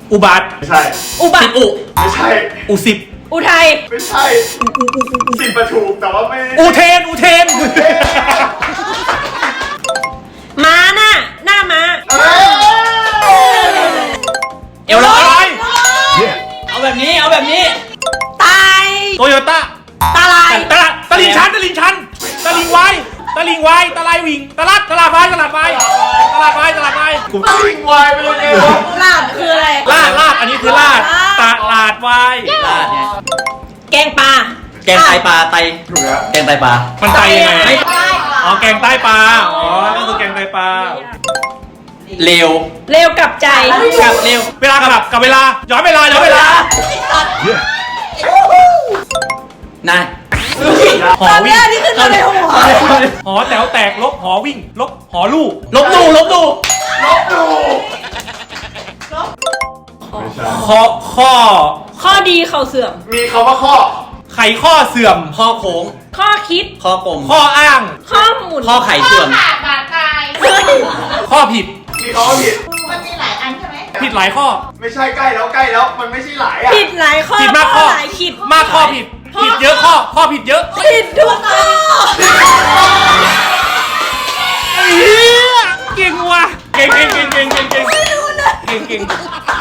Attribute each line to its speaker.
Speaker 1: อุบาท
Speaker 2: ไม่ใช่
Speaker 3: อุบัติ
Speaker 2: ไม่ใช่
Speaker 1: อุสิบ
Speaker 3: อุทัย
Speaker 2: ไม่ใช่สิบประถูกแต่ว่าไม่
Speaker 1: อุเทน
Speaker 3: ม้าหน้าม้า
Speaker 4: เอวลอย
Speaker 1: อะไร
Speaker 4: เอาแบบนี้
Speaker 3: ตาย
Speaker 1: โตโยต้า
Speaker 3: ตาลาย
Speaker 1: ตะลิงชันตะลิงไวตะลายวิ่งตลาดไวกู
Speaker 2: วิ่งวายไปเลยเนี่ย
Speaker 3: ลาดคืออะไร
Speaker 1: ลาดอันนี้คือลาดตลาดไว
Speaker 4: ลาดเนี่ย
Speaker 3: แกงปลา
Speaker 4: แกงไตปลาไต
Speaker 2: ถูกแล้ว
Speaker 4: แกงไตปลา
Speaker 1: มันไตยังไง
Speaker 4: ไม่
Speaker 1: อ๋อแกงใต้ปลาอ๋อก็คือแกงไตปลา
Speaker 4: เร็ว
Speaker 3: เร็วกับใจ
Speaker 4: กับเร็ว
Speaker 1: เวลากลับกับเวลาย้อนเวลา
Speaker 4: นะ
Speaker 1: หอวิ่ง
Speaker 3: นี่คืออะไรหัว
Speaker 1: หอแถวแตกลบหอวิ่งลบหอลู่
Speaker 4: ลบดู
Speaker 2: ลบดู
Speaker 1: ข้อ
Speaker 3: ดีเข่าเสื่อม
Speaker 2: มีคำว่าข้อ
Speaker 1: ไขข้อเสื่อม
Speaker 4: ข้อโค้ง
Speaker 3: ข้อคิด
Speaker 4: ข้อกลม
Speaker 1: ข้ออ้าง
Speaker 3: ข้อหมุน
Speaker 4: ข้อไข่เสื่อม
Speaker 1: ข้อผิด
Speaker 2: มีคำว่าผิด
Speaker 5: มันมีหลายอันใช่ไหม
Speaker 1: ผิดหลายข้อ
Speaker 2: ไม่ใช่ใกล้แล้วมันไม่ใช่หลายอ่ะ
Speaker 3: ผิดหลายข้อ
Speaker 1: ผิดมากข้อ
Speaker 3: หลายคิด
Speaker 1: มากข้อผิดเยอะข้อผิดเยอะ
Speaker 3: ผิดทุกข้อ
Speaker 1: เก่งว่ะเก่ง